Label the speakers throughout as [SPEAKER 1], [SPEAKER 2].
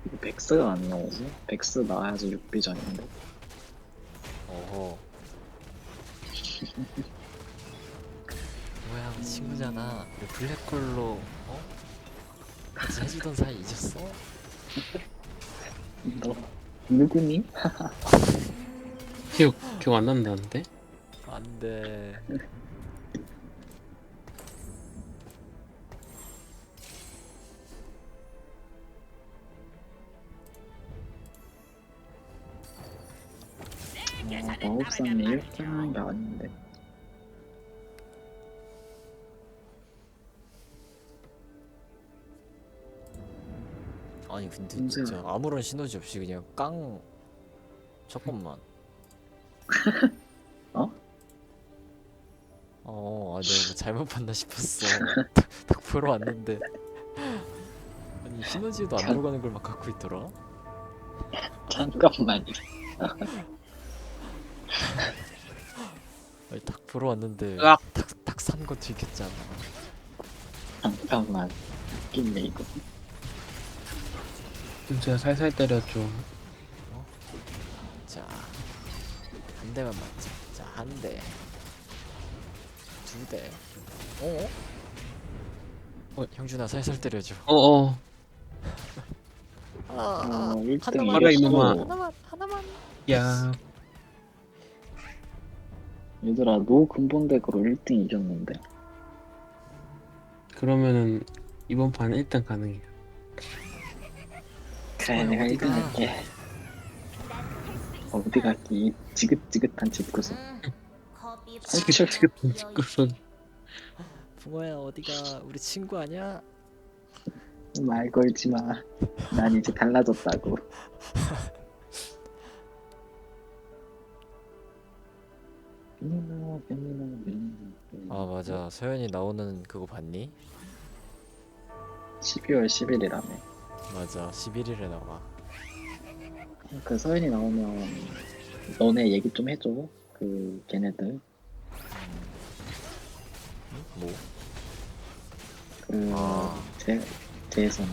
[SPEAKER 1] 백스가 안 나오지? 백스 나와야지 6비전인데.
[SPEAKER 2] 어허. 뭐야, 우리 친구잖아. 우리 블랙홀로 같이 해주던 사이 잊었어?
[SPEAKER 1] 너 누구니?
[SPEAKER 3] 기억 안 난다는데?
[SPEAKER 2] 안돼.
[SPEAKER 1] 마법사는 이렇게 하는 게 아닌데.
[SPEAKER 2] 아니 근데
[SPEAKER 1] 문제는-
[SPEAKER 2] 진짜 아무런 시너지 없이 그냥 깡. 잠깐만.
[SPEAKER 1] 어?
[SPEAKER 2] 내가 뭐 잘못 봤나 싶었어. 딱 보러 왔는데 아니 시너지도 안 들어가는 걸 막 갖고 있더라.
[SPEAKER 1] 잠깐만.
[SPEAKER 2] 아니 딱 보러 왔는데
[SPEAKER 3] 으악!
[SPEAKER 2] 딱 산 거 들켰잖아.
[SPEAKER 1] 잠깐만. 웃긴데 이거.
[SPEAKER 3] 제가 살살 때렸죠.
[SPEAKER 2] 자, 한 대만 맞자. 자, 한 대, 두 대. 형준아 살살 때려줘.
[SPEAKER 3] 어어.
[SPEAKER 2] 아,
[SPEAKER 1] 1등
[SPEAKER 3] 봐라, 이놈아.
[SPEAKER 2] 하나만.
[SPEAKER 3] 야,
[SPEAKER 1] 얘들아, 노 근본덱으로 1등 이겼는데.
[SPEAKER 3] 그러면은 이번 판 1등 가능해요.
[SPEAKER 1] 그래, 내가
[SPEAKER 2] 어디가?
[SPEAKER 1] 1등 할게. 어디 갈게, 이 지긋지긋한 집구석.
[SPEAKER 3] 지긋지긋한 짓구석.
[SPEAKER 2] 붕어야 어디가? 우리 친구 아니야?
[SPEAKER 1] 말 걸지 마. 난 이제 달라졌다고.
[SPEAKER 2] 아 맞아. 서연이 나오는 그거 봤니?
[SPEAKER 1] 12월 10일이라며.
[SPEAKER 2] 맞아. 11일에 나와.
[SPEAKER 1] 그 서연이 나오면 너네 얘기 좀 해줘. 그 걔네들.
[SPEAKER 2] 뭐?
[SPEAKER 1] 그
[SPEAKER 2] 아.
[SPEAKER 1] 재선.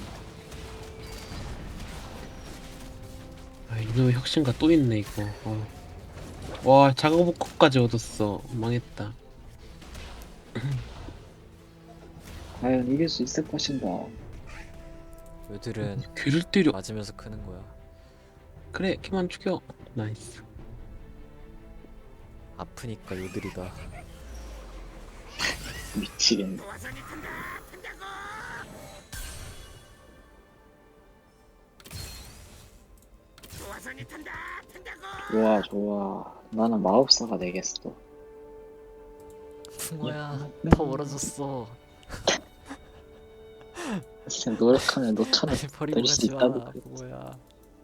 [SPEAKER 3] 아, 이놈의 혁신가 또 있네 이거. 와, 작업복까지 얻었어. 망했다.
[SPEAKER 1] 과연 이길 수 있을 것인가.
[SPEAKER 2] 요들은
[SPEAKER 3] 귀를 때려.
[SPEAKER 2] 맞으면서 크는 거야.
[SPEAKER 3] 그래, 걔만 죽여. 나이스.
[SPEAKER 2] 아프니까 요들이다.
[SPEAKER 1] 미치겠네. 좋아 좋아. 나는 마법사가 되겠어.
[SPEAKER 2] 붕어야 더 멀어졌어.
[SPEAKER 1] 진짜 노력하면 너처럼
[SPEAKER 2] 버리고
[SPEAKER 1] 될 수
[SPEAKER 2] 가지 마,
[SPEAKER 1] 있다고.
[SPEAKER 2] 붕어야.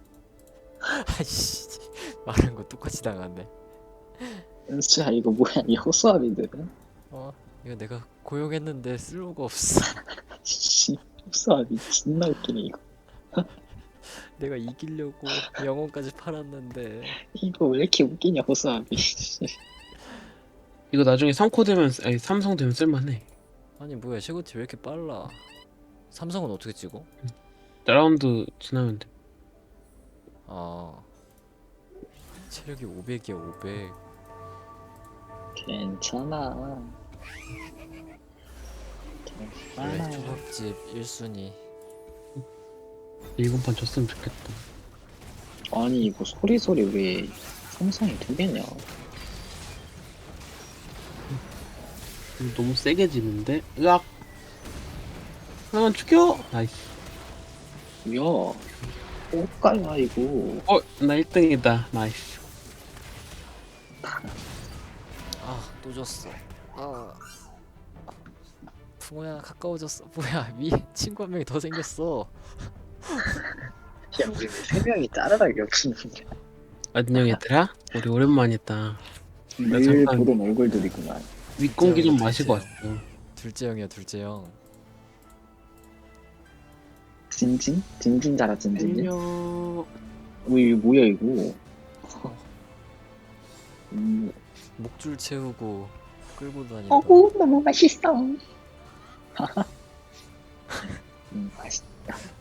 [SPEAKER 2] 아이씨, 말한 거 똑같이 당하네.
[SPEAKER 1] 진짜 이거 뭐야, 이 호수아비들은?
[SPEAKER 2] 이거 내가 고용했는데 쓸모가 없어.
[SPEAKER 1] 씨, 호수아비 존나 웃기네 이거.
[SPEAKER 2] 내가 이기려고 영혼까지 팔았는데.
[SPEAKER 1] 이거 왜 이렇게 웃기냐 호수아비.
[SPEAKER 3] 이거 나중에 3코 되면, 아니, 삼성 되면 쓸만해.
[SPEAKER 2] 아니 뭐야, 최고티 왜 이렇게 빨라? 삼성은 어떻게 찍어?
[SPEAKER 3] 라운드 지나면 돼.
[SPEAKER 2] 체력이 500이야 500.
[SPEAKER 1] 괜찮아.
[SPEAKER 2] 그래,
[SPEAKER 1] 괜찮아.
[SPEAKER 2] 초밥집 1순위.
[SPEAKER 3] 이번 판 졌으면 좋겠다.
[SPEAKER 1] 아니 이거 소리소리 왜 삼성이 두 개냐?
[SPEAKER 3] 이거 너무 세게 지는데? 으악! 하나만 죽여! 나이스.
[SPEAKER 1] 야, 옷가야 이거.
[SPEAKER 3] 나 1등이다. 나이스.
[SPEAKER 2] 또 졌어. 붕어야 가까워졌어. 뭐야, 친구 한 명이 더 생겼어.
[SPEAKER 1] 야, 우리 왜 3명이 짜르르하게 없으냐?
[SPEAKER 3] 안녕 얘들아. 우리 오랜만이다.
[SPEAKER 1] 늘
[SPEAKER 3] 잠깐-
[SPEAKER 1] 보던 얼굴들이구만.
[SPEAKER 3] 윗공기 좀
[SPEAKER 2] 진짜
[SPEAKER 3] 마시고 왔어.
[SPEAKER 2] 둘째 형이야, 둘째 형.
[SPEAKER 1] 진진? 진진 자라 진진?
[SPEAKER 3] 안녕.
[SPEAKER 1] 우이 뭐야 이거?
[SPEAKER 2] 목줄 채우고 끌고 다닌다.
[SPEAKER 1] 어구 너무 맛있어. 맛있다.